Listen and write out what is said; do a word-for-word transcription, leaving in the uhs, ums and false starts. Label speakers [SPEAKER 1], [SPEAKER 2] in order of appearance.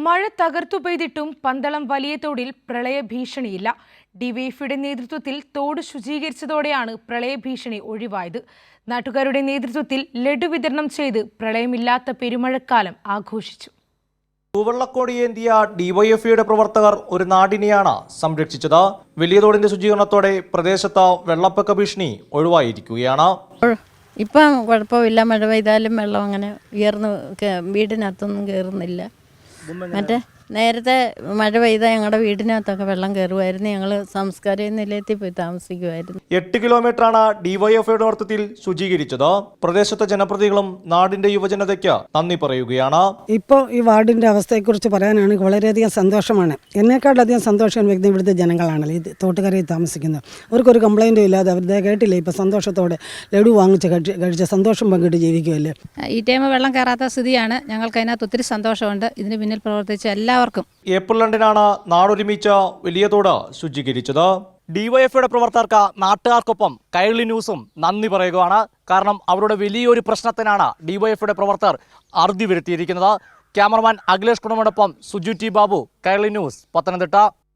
[SPEAKER 1] മഴ തകർത്തു പെയ്തിട്ടും പന്തളം വലിയ തോടിൽ പ്രളയഭീഷണിയില്ല. ഡിവൈഎഫ്ഐയുടെ നേതൃത്വത്തിൽ തോട് ശുചീകരിച്ചതോടെയാണ് പ്രളയഭീഷണി ഒഴിവായത്. നാട്ടുകാരുടെ നേതൃത്വത്തിൽ ലഡു വിതരണം ചെയ്ത് പ്രളയമില്ലാത്ത പെരുമഴക്കാലം ആഘോഷിച്ചു.
[SPEAKER 2] തൂവള്ളക്കോടിയേന്തിയ ഡിവൈഎഫ്ഐയുടെ പ്രവർത്തകർ ഒരു നാടിനെയാണ് സംരക്ഷിച്ചത്. വലിയ തോടിന്റെ ശുചീകരണത്തോടെ പ്രദേശത്ത് വെള്ളപ്പൊക്ക ഭീഷണി ഒഴിവായിരിക്കുകയാണ്.
[SPEAKER 3] ഇപ്പം കുഴപ്പമില്ല, മഴ പെയ്താലും വെള്ളം അങ്ങനെ ഉയർന്ന് വീടിനകത്തൊന്നും കയറുന്നില്ല. മറ്റേ നേരത്തെ മഴ പെയ്താൽ ഞങ്ങളുടെ വീടിനകത്തൊക്കെ വെള്ളം കയറുമായിരുന്നു. ഞങ്ങൾ സംസ്കാര നിലയത്തിൽ പോയി താമസിക്കുമായിരുന്നു.
[SPEAKER 2] എട്ട് കിലോമീറ്ററാണ് ഡിവൈഎഫ്ഐയുടെ നേതൃത്വത്തിൽ ശുചീകരിച്ചത്. പ്രദേശത്തെ ജനപ്രതിനിധികളും നാടിന്റെ യുവജനതയ്ക്ക് നന്ദി പറയുകയാണ്.
[SPEAKER 4] ഇപ്പോൾ ഈ വാർഡിന്റെ അവസ്ഥയെക്കുറിച്ച് പറയാനാണെങ്കിൽ വളരെയധികം സന്തോഷമാണ്. എന്നെക്കാളധികം സന്തോഷം വ്യക്തി ഇവിടുത്തെ ജനങ്ങളാണല്ലോ ഈ തോട്ടുകരയിൽ താമസിക്കുന്നത്. അവർക്കൊരു കംപ്ലൈൻറ്റും ഇല്ലാതെ അവരുടെ കേട്ടില്ല, ഇപ്പോൾ സന്തോഷത്തോടെ ലഡു വാങ്ങിച്ച് കഴിച്ച് കഴിച്ച് സന്തോഷം പങ്കിട്ട് ജീവിക്കുമല്ലേ.
[SPEAKER 5] ഈ ടൈം വെള്ളം കയറാത്ത സ്ഥിതിയാണ്. ഞങ്ങൾക്ക് അതിനകത്ത് ഒത്തിരി സന്തോഷമുണ്ട്. ഇതിന് പിന്നിൽ പ്രവർത്തിച്ച എല്ലാ
[SPEAKER 2] ഏപ്രിൽ രണ്ടിനാണ് നാടൊരുമിച്ച വലിയ തോട് ശുചീകരിച്ചത്. ഡിവൈഎഫ്ഐയുടെ പ്രവർത്തകർക്ക് നാട്ടുകാർക്കൊപ്പം കൈരളി ന്യൂസും നന്ദി പറയുകയാണ്. കാരണം അവരുടെ വലിയൊരു പ്രശ്നത്തിനാണ് ഡിവൈഎഫ്ഐയുടെ പ്രവർത്തകർ അറുതി വരുത്തിയിരിക്കുന്നത്. ക്യാമറമാൻ അഖിലേഷ് കുണമോടൊപ്പം സുജു ടി ബാബു, കൈരളി ന്യൂസ്, പത്തനംതിട്ട.